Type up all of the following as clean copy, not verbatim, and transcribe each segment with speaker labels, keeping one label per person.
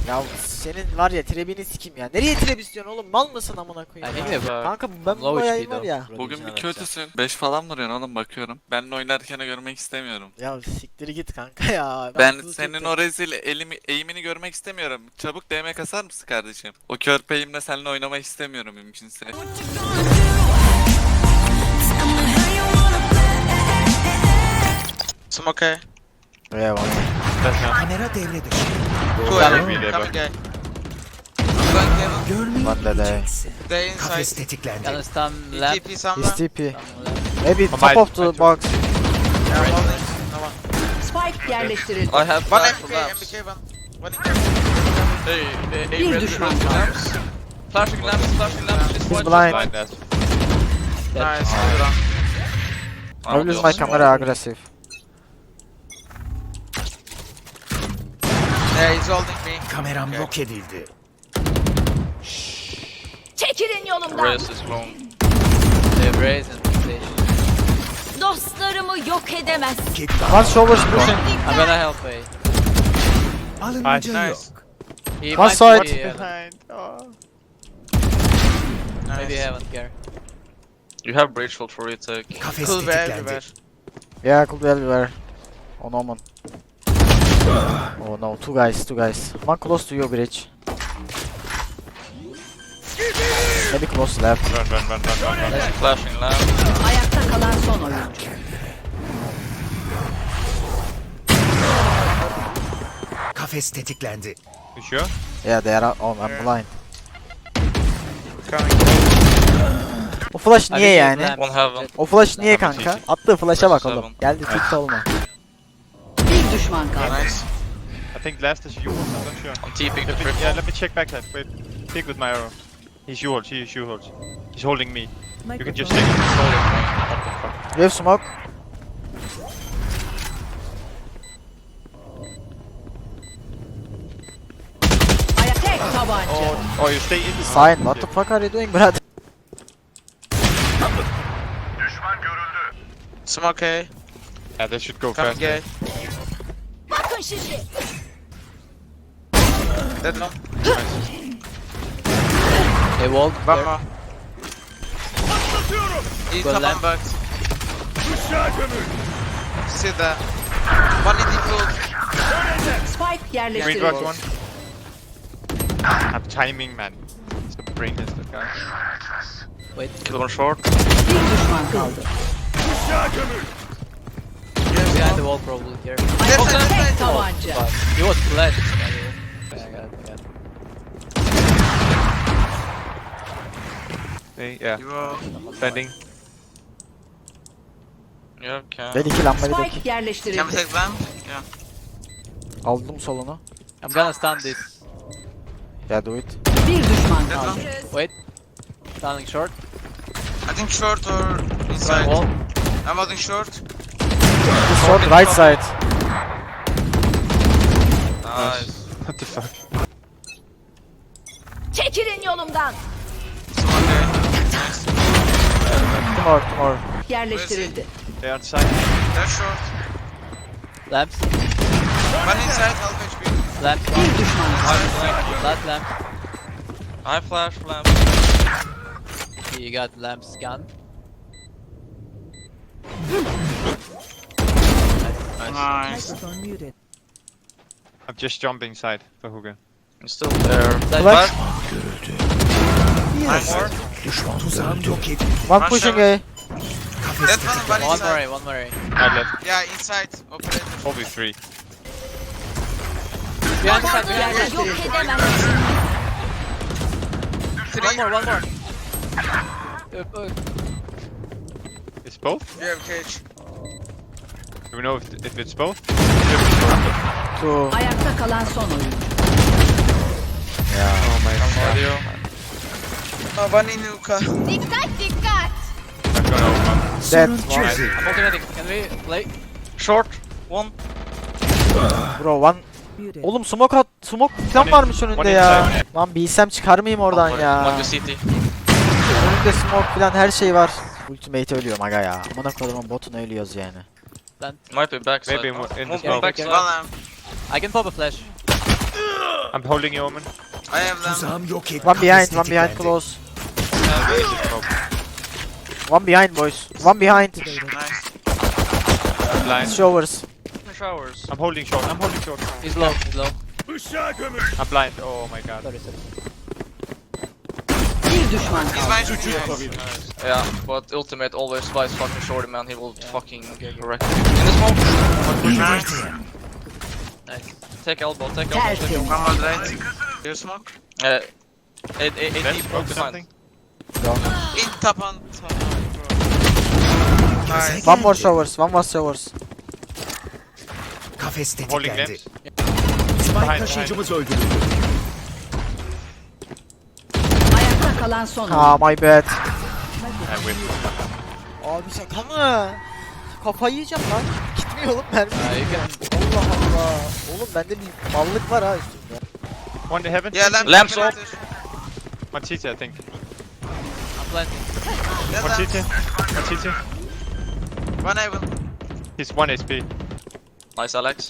Speaker 1: Ya senin var ya trebini sikeyim ya. Nereye treb istiyorsun oğlum? Mal mısın amına koyayım?
Speaker 2: I
Speaker 1: Ya?
Speaker 2: think
Speaker 1: Kanka ben bu bayağı var ya.
Speaker 3: Bugün bir kötüsün. 5 falan vuruyorsun oğlum bakıyorum. Benle oynarken görmek istemiyorum.
Speaker 1: Ya siktir git kanka ya.
Speaker 3: Ben
Speaker 1: kızı
Speaker 3: senin
Speaker 1: çok-
Speaker 3: o rezil eğimini görmek istemiyorum. Çabuk DM kasar mısın kardeşim? O körpe eğimle seninle oynamak istemiyorum mümkünse.
Speaker 4: Smoke.
Speaker 1: Yeah, one.
Speaker 5: Kamera devre dışı.
Speaker 4: Two
Speaker 1: Coming
Speaker 4: A. Coming A. Going heaven.
Speaker 5: Görmeyi
Speaker 1: One dead A.
Speaker 5: bileceksin.
Speaker 4: They
Speaker 5: Kafes
Speaker 4: inside.
Speaker 5: tetiklendi.
Speaker 2: Gonna stun lamp.
Speaker 4: TP somewhere.
Speaker 1: He's TP.
Speaker 2: Some lamp.
Speaker 1: Maybe top of the box.
Speaker 4: Yeah, holding. No one.
Speaker 6: Spike yerleştirildi.
Speaker 2: I have
Speaker 4: One
Speaker 2: flash
Speaker 4: MBK,
Speaker 2: for lamps.
Speaker 4: MBK one. One in cave.
Speaker 6: Bir düşman kaldı.
Speaker 2: Flashing lamps, flashing lamps. She's
Speaker 1: He's
Speaker 2: white,
Speaker 1: blind.
Speaker 2: she's
Speaker 4: Nice. Good round.
Speaker 1: I will use my camera aggressive.
Speaker 4: Yeah, he's holding me.
Speaker 5: Kameram
Speaker 4: Okay.
Speaker 5: yok edildi.
Speaker 6: Çekilin yolumdan.
Speaker 2: Raze is wrong. They have Raze and PlayStation.
Speaker 6: Dostlarımı yok edemez.
Speaker 1: One shoulders pushing.
Speaker 2: I'm gonna help A.
Speaker 5: Alınca
Speaker 4: Nice.
Speaker 5: yok.
Speaker 2: He
Speaker 1: One
Speaker 2: might
Speaker 1: side.
Speaker 2: be heaven. Maybe
Speaker 4: Nice.
Speaker 2: heaven, Gary. You have breach ult for retake.
Speaker 5: Kafes
Speaker 4: Cool be
Speaker 5: tetiklendi.
Speaker 4: everywhere.
Speaker 1: Yeah, could be everywhere. On Omen. Oh no, two guys. One close to you, bridge. Maybe close left.
Speaker 2: Flashing lamp.
Speaker 6: Ayakta kalan son oyuncu.
Speaker 5: Kafes tetiklendi.
Speaker 1: Yeah, they are. Oh, I'm blind.
Speaker 4: Coming.
Speaker 1: O flash
Speaker 2: I
Speaker 1: niye
Speaker 2: think
Speaker 1: yani?
Speaker 2: lamp. One heaven.
Speaker 1: O flash niye kanka? Attığı flash'a bak
Speaker 2: Seven.
Speaker 1: oğlum. Geldi tilt olma.
Speaker 6: Bir düşman kaldı.
Speaker 4: Nice.
Speaker 7: I think last is you. I'm not sure.
Speaker 2: I'm TPing the
Speaker 7: Let me,
Speaker 2: triple.
Speaker 7: yeah, let me check backside. Wait, pick with my arrow. He's you holds. He's you holds. He's holding me. You can just take it. What the fuck?
Speaker 1: You have smoke?
Speaker 6: Ayakta tek tabanca.
Speaker 7: Oh, you stay in.
Speaker 1: Sign. What the fuck are you doing, brother?
Speaker 4: Smoke A.
Speaker 7: Yeah, they should go
Speaker 4: Coming
Speaker 7: fast.
Speaker 4: A.
Speaker 6: Bakın şimdi.
Speaker 4: Dead long.
Speaker 2: They walled.
Speaker 4: One more. He's
Speaker 2: Go
Speaker 4: come on
Speaker 2: left.
Speaker 4: back. See that. One in the field.
Speaker 6: Spike
Speaker 7: Green
Speaker 6: yerleştirildi.
Speaker 7: box one. Have timing, man. It's the brain is the guy.
Speaker 2: Wait, kill one short.
Speaker 6: Bir düşman kaldı.
Speaker 2: Behind the wall probably here.
Speaker 6: Ayakta tek tabanca.
Speaker 2: But he was flashed. By the way. I got it.
Speaker 7: Hey, yeah.
Speaker 4: You are.
Speaker 7: Bending.
Speaker 2: Yeah, can.
Speaker 1: Ben iki lamba
Speaker 6: Spike
Speaker 1: dedik.
Speaker 4: Can we
Speaker 6: yerleştirildi.
Speaker 4: take them? Yeah.
Speaker 1: Aldım solunu.
Speaker 2: I'm gonna stun this.
Speaker 1: Yeah, do it.
Speaker 6: Bir düşman
Speaker 4: Dead
Speaker 6: kaldı.
Speaker 4: long.
Speaker 2: Wait. Stunning short.
Speaker 4: I think short or
Speaker 2: Right
Speaker 4: inside.
Speaker 2: wall.
Speaker 4: I'm holding short.
Speaker 1: This short right side.
Speaker 2: Nice.
Speaker 7: What the fuck?
Speaker 6: Çekilin yolumdan.
Speaker 4: Smoke A. Nice.
Speaker 1: Two more.
Speaker 6: Yerleştirildi.
Speaker 7: They're on side.
Speaker 4: They're short.
Speaker 2: Lamps.
Speaker 4: One inside, half HP.
Speaker 2: Lamps.
Speaker 6: Bir düşman kaldı.
Speaker 2: Last lamp. I flash lamp. You got lamps gun.
Speaker 4: Nice.
Speaker 7: I'm just jumping side for Hugo.
Speaker 2: Still there.
Speaker 1: Flash.
Speaker 4: Nice.
Speaker 5: Tuzağım yok edildi.
Speaker 1: One pushing A.
Speaker 5: Kafes
Speaker 4: That
Speaker 5: tetiklendi.
Speaker 4: one
Speaker 2: One
Speaker 4: inside.
Speaker 2: more A, one more A.
Speaker 7: I left.
Speaker 4: Yeah, inside. Operator.
Speaker 7: Probably three.
Speaker 2: Behind the side, behind the side.
Speaker 6: Yerleştirildi. Edemez.
Speaker 2: One more, one more.
Speaker 7: It's both?
Speaker 4: You have cage.
Speaker 7: Do we know if it's both?
Speaker 1: Two.
Speaker 6: Ayakta kalan son oyuncu.
Speaker 7: Oh my god.
Speaker 2: Audio.
Speaker 4: Oh, one in Nuka.
Speaker 6: Dikkat dikkat.
Speaker 7: I'm gonna open.
Speaker 1: Dead.
Speaker 5: Sorun çözüldü.
Speaker 2: I'm ultimating. Can we play? Short. One.
Speaker 1: Bro one. Oğlum smoke at. Smoke falan varmış önünde ya. Lan bilsem çıkar mıyım oradan
Speaker 2: One
Speaker 1: ya.
Speaker 2: to CT.
Speaker 1: Önünde smoke falan her şey var. Ultimate ölüyorum aga ya. Amına kodumun botunu ölüyoruz yani.
Speaker 2: Might be backside.
Speaker 7: Maybe in the
Speaker 2: One
Speaker 7: smoke.
Speaker 2: backside.
Speaker 4: One lamp.
Speaker 2: I can pop a flash.
Speaker 7: I'm holding you, Omen.
Speaker 4: I have them.
Speaker 5: Tuzağım yok edildi.
Speaker 1: One behind,
Speaker 5: Kafes
Speaker 1: one behind
Speaker 5: tetiklendi.
Speaker 1: close.
Speaker 7: We just smoke.
Speaker 1: One behind boys. One behind.
Speaker 4: Nice.
Speaker 7: Blind.
Speaker 1: Showers.
Speaker 2: Showers.
Speaker 7: I'm holding short. I'm holding short.
Speaker 2: He's low. He's low.
Speaker 7: I'm blind. Oh my god.
Speaker 6: Bir düşman
Speaker 4: He's
Speaker 6: kaldı.
Speaker 4: behind you.
Speaker 2: Yeah, but ultimate always buys fucking shorty, man. He will fucking wreck you. In the smoke.
Speaker 4: Nice.
Speaker 2: Nice. Take elbow. Take elbow. Take
Speaker 6: Tertemiz.
Speaker 2: elbow.
Speaker 4: One more right. You smoke?
Speaker 2: Eight
Speaker 7: Let's
Speaker 2: deep
Speaker 7: smoke
Speaker 2: broke
Speaker 7: something.
Speaker 2: behind.
Speaker 4: In top on top. Nice.
Speaker 1: One more showers. One more showers.
Speaker 5: Kafes
Speaker 7: I'm holding
Speaker 5: tetiklendi.
Speaker 7: lamps.
Speaker 5: Spike
Speaker 7: Behind,
Speaker 5: taşıyıcımız öldürüldü.
Speaker 6: Ayakta kalan son oyuncu.
Speaker 1: Ah my bad.
Speaker 7: I win.
Speaker 1: Abi şaka mı? Kafayı yiyeceğim lan. Gitmiyor oğlum mermi.
Speaker 2: You can.
Speaker 1: Allah Allah. Oğlum bende bir mallık var ha üstümde.
Speaker 7: One in heaven.
Speaker 4: Yeah, lamp.
Speaker 2: Lamps
Speaker 4: lamp.
Speaker 7: One CT, I think.
Speaker 2: I'm planting.
Speaker 4: Yeah,
Speaker 7: One
Speaker 4: lamp.
Speaker 7: CT. One CT.
Speaker 4: One heaven.
Speaker 7: He's 1 HP.
Speaker 2: Nice, Alex.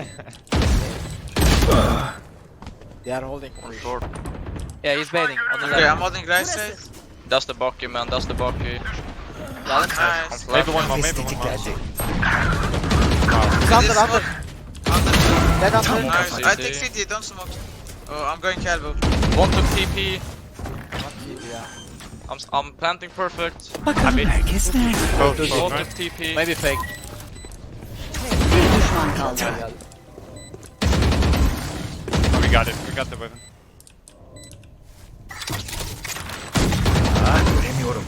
Speaker 1: They are holding.
Speaker 2: On short. Yeah, he's baiting. On the
Speaker 4: Okay,
Speaker 2: left.
Speaker 4: I'm holding right side.
Speaker 2: That's the Bucky, man. That's the Bucky.
Speaker 4: Nice.
Speaker 7: Maybe one more,
Speaker 5: Kafes
Speaker 7: maybe one more.
Speaker 5: tetiklendi.
Speaker 1: He's under, under.
Speaker 4: Under.
Speaker 1: Dead under.
Speaker 4: Nice. I
Speaker 2: CT.
Speaker 4: take CT, don't smoke. Oh, I'm going elbow.
Speaker 2: One took TP. I'm planting perfect.
Speaker 5: Bakalım herkes nerede?
Speaker 7: Both,
Speaker 2: One
Speaker 7: both,
Speaker 2: took
Speaker 7: right?
Speaker 2: TP. Maybe fake.
Speaker 6: Bir düşman kaldı.
Speaker 7: Oh, we got it. We got the weapon.
Speaker 5: Göremiyorum.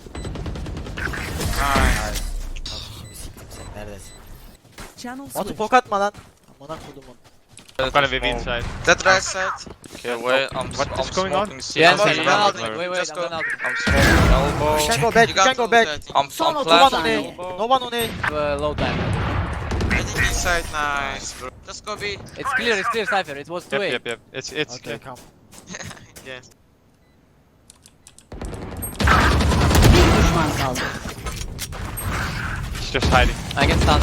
Speaker 4: Nice.
Speaker 1: Sen neredesin? Batu pok atma lan. Amına kodumun.
Speaker 7: I'm gonna be inside.
Speaker 4: That right side.
Speaker 2: Okay, wait. I'm
Speaker 7: What is going on?
Speaker 2: smoking
Speaker 4: Yeah,
Speaker 2: CT.
Speaker 4: I'm holding.
Speaker 2: Wait,
Speaker 4: Just go.
Speaker 2: I'm smoking elbow.
Speaker 1: You can go back,
Speaker 4: You
Speaker 1: you can
Speaker 4: got
Speaker 1: go
Speaker 4: ult,
Speaker 1: back.
Speaker 4: I think.
Speaker 2: I'm
Speaker 1: No one
Speaker 2: planting
Speaker 1: on A.
Speaker 2: elbow.
Speaker 1: No one on A.
Speaker 2: Low time.
Speaker 4: I think inside. Nice, bro. Just go B.
Speaker 2: It's clear, Cypher. It was 2A.
Speaker 7: Yep, yep, yep. It's
Speaker 1: Okay,
Speaker 7: clear.
Speaker 1: come.
Speaker 4: Yes.
Speaker 6: Bir düşman kaldı.
Speaker 7: He's just hiding.
Speaker 2: I can stun.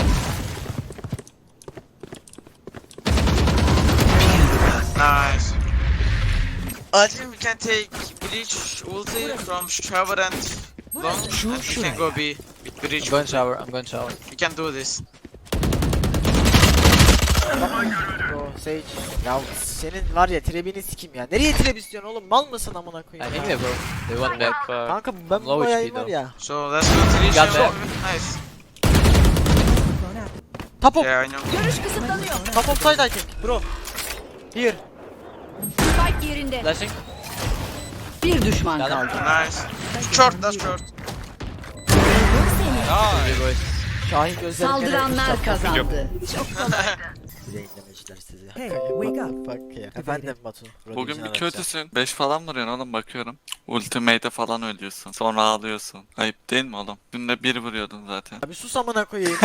Speaker 4: Nice. I think we can take breach ulti from shower and long, and we can go B with breach.
Speaker 2: I'm going shower. I'm going shower.
Speaker 4: We can do this.
Speaker 1: Bro, Sage. Ya senin var ya trebini sikim ya. Nereye trap istiyorsun oğlum? Mal mısın amına
Speaker 2: I
Speaker 1: koyayım
Speaker 2: think
Speaker 1: ya?
Speaker 2: they broke. They went back.
Speaker 1: Kanka ben bu
Speaker 2: Low
Speaker 1: bayağı
Speaker 2: HP
Speaker 1: var
Speaker 2: though.
Speaker 1: ya.
Speaker 4: So let's go three
Speaker 2: Got
Speaker 4: shower.
Speaker 2: that.
Speaker 4: Nice.
Speaker 1: Top of,
Speaker 4: Yeah, I know.
Speaker 6: Görüş kısıtlanıyor.
Speaker 1: top of side I think bro. Here.
Speaker 6: Spike yerinde.
Speaker 2: Flashing.
Speaker 6: Bir düşman
Speaker 2: Got him.
Speaker 6: kaldı.
Speaker 4: Nice. Short, that's short.
Speaker 2: Nice. boys.
Speaker 1: Şahin gözlerim
Speaker 6: Saldıranlar kazandı.
Speaker 1: Yayınlamışlar sizi.
Speaker 8: Hey, wake up.
Speaker 1: Fuck ya. Efendim Batu.
Speaker 3: Bugün bir kötüsün. 5 falan vuruyorsun oğlum bakıyorum. Ultimate'e falan ölüyorsun. Sonra ağlıyorsun. Ayıp değil mi oğlum? Dün de 1 vuruyordun zaten.
Speaker 1: Abi sus amına koyayım.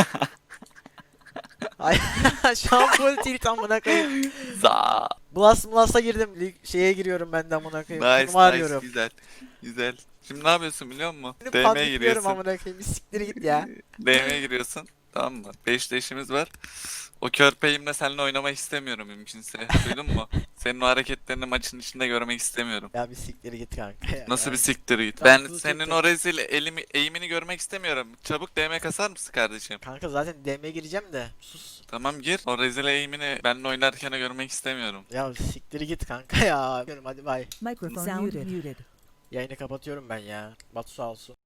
Speaker 1: Ay şu an full tilt amına koyayım.
Speaker 3: Za.
Speaker 1: Blast'a girdim. Şeye giriyorum ben de amına koyayım.
Speaker 3: Nice,
Speaker 1: Turnuva
Speaker 3: nice,
Speaker 1: arıyorum.
Speaker 3: güzel. Güzel. Şimdi ne yapıyorsun biliyor musun?
Speaker 1: Şimdi
Speaker 3: DM'ye
Speaker 1: patlıklıyorum
Speaker 3: giriyorsun.
Speaker 1: amına koyayım. Bir siktir git ya.
Speaker 3: DM'ye giriyorsun. Tamam mı? 5 işimiz var. O körpeyimle seninle oynamak istemiyorum mümkünse. Duydun mu? Senin o hareketlerini maçın içinde görmek istemiyorum.
Speaker 1: Ya bir siktir git kanka ya.
Speaker 3: Nasıl bir siktir git?
Speaker 1: Tamam,
Speaker 3: Ben
Speaker 1: dur,
Speaker 3: senin
Speaker 1: dur.
Speaker 3: o rezil eğimini görmek istemiyorum. Çabuk DM kasar mısın kardeşim?
Speaker 1: Kanka zaten DM'ye gireceğim de. Sus.
Speaker 3: Tamam gir. O rezil eğimini benimle oynarken görmek istemiyorum.
Speaker 1: Ya siktir git kanka ya. Hadi bay.
Speaker 8: Microphone muted.
Speaker 1: Yayını kapatıyorum ben ya. Batu sağ olsun.